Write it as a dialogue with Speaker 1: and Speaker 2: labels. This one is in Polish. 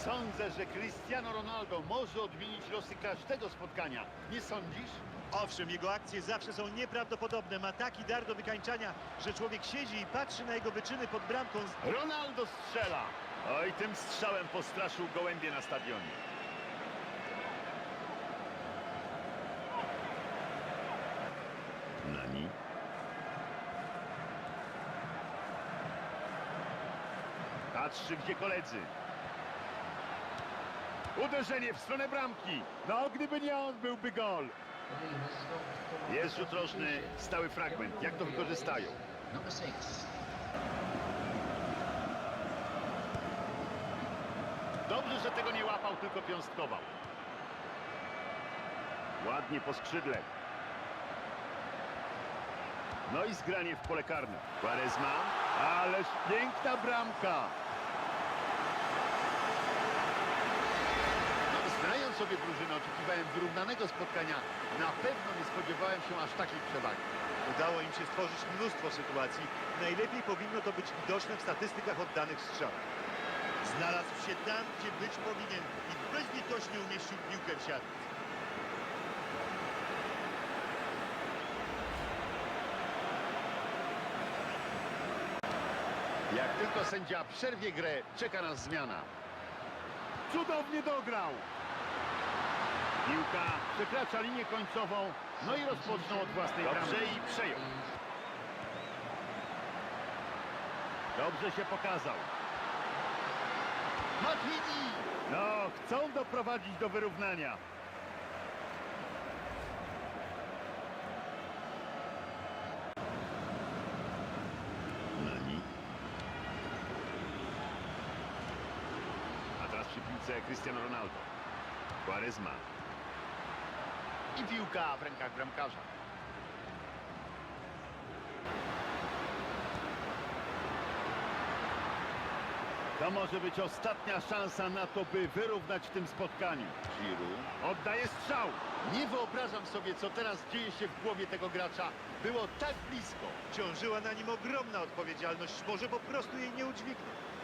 Speaker 1: Sądzę, że Cristiano Ronaldo może odmienić losy każdego spotkania. Nie sądzisz?
Speaker 2: Owszem, jego akcje zawsze są nieprawdopodobne. Ma taki dar do wykańczania, że człowiek siedzi i patrzy na jego wyczyny pod bramką.
Speaker 1: Ronaldo strzela. Oj, tym strzałem postraszył gołębie na stadionie. Nani. Patrzy, gdzie koledzy. Uderzenie w stronę bramki. No, gdyby nie on, byłby gol. Jest rzut rożny, stały fragment. Jak to wykorzystają? Dobrze, że tego nie łapał, tylko piąstkował. Ładnie po skrzydle. No i zgranie w pole karne. Quaresma. Ależ piękna bramka. No, znając sobie drużynę, oczekiwałem wyrównanego spotkania. Na pewno nie spodziewałem się aż takiej przewagi.
Speaker 2: Udało im się stworzyć mnóstwo sytuacji. Najlepiej powinno to być widoczne w statystykach oddanych strzałów. Znalazł się tam, gdzie być powinien i bezlitośnie umieścił piłkę w siatce.
Speaker 1: Jak tylko sędzia przerwie grę, czeka nas zmiana. Cudownie dograł. Piłka przekracza linię końcową, no i rozpoczną od własnej bramki. Dobrze i przejął. Dobrze się pokazał. Matuidi! No, chcą doprowadzić do wyrównania. Nani. A teraz przy piłce Cristiano Ronaldo. Quaresma. I piłka w rękach bramkarza. To może być ostatnia szansa na to, by wyrównać w tym spotkaniu. Giroud oddaje strzał. Nie wyobrażam sobie, co teraz dzieje się w głowie tego gracza. Było tak blisko.
Speaker 2: Ciążyła na nim ogromna odpowiedzialność. Może po prostu jej nie udźwignął.